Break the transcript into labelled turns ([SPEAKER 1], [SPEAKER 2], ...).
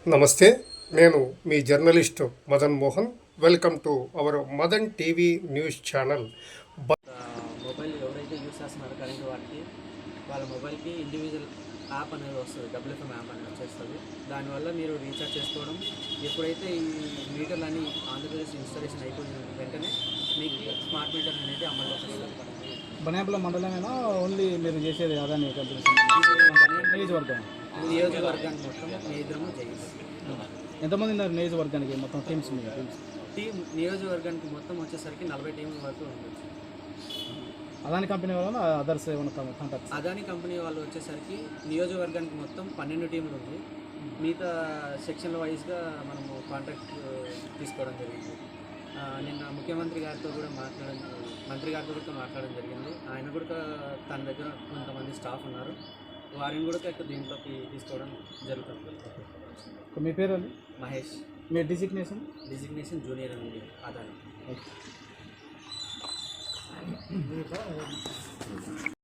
[SPEAKER 1] నమస్తే, నేను మీ journalist Madan Mohan. Welcome to our Madan TV news channel.
[SPEAKER 2] Mobile ఎవరైతే యూస్ చేస్తున్నారో కరెంట్ వాళ్ళ మొబైల్కి ఇండివిజువల్ యాప్ అనేది వస్తుంది, డబ్ల్యూఎఫ్ఎం యాప్ అనేది వచ్చేస్తుంది. దానివల్ల మీరు రీఛార్జ్ చేసుకోవడం, ఎప్పుడైతే ఈ మీటర్లన్నీ ఆంధ్రప్రదేశ్ ఇన్స్టాలేషన్ అయిపోయిన వెంటనే మీకు స్మార్ట్ మీటర్ అనేది అమల్లోకి వస్తుంది.
[SPEAKER 3] బనాపల మండలమేనా ఓన్లీ మీరు చేసేది అదాని
[SPEAKER 2] నియోజకవర్గానికి మొత్తం మేజరము చేయాలి.
[SPEAKER 3] ఎంతమంది ఉన్నారు నియోజకవర్గానికి మొత్తం టీమ్స్
[SPEAKER 2] టీం నియోజకవర్గానికి మొత్తం వచ్చేసరికి 40 టీంల వరకు ఉండొచ్చు.
[SPEAKER 3] అదాని కంపెనీ వల్ల అదర్స్ ఏమైనా కాంటాక్ట్స్?
[SPEAKER 2] అదాని కంపెనీ వాళ్ళు వచ్చేసరికి నియోజకవర్గానికి మొత్తం 12 టీంలు ఉంది. మిగతా సెక్షన్ల వైజ్గా మనము కాంట్రాక్ట్ తీసుకోవడం జరిగింది. నిన్న ముఖ్యమంత్రి గారితో కూడా మంత్రి గారితో కూడా మాట్లాడడం జరిగింది. ఆయన కూడా తన దగ్గర కొంతమంది స్టాఫ్ ఉన్నారు, వారిని కూడా దీంట్లోకి తీసుకోవడం జరుగుతుంది.
[SPEAKER 3] మీ పేరు అండి?
[SPEAKER 2] మహేష్.
[SPEAKER 3] మీ డిజిగ్నేషన్
[SPEAKER 2] జూనియర్ అండి అదాని.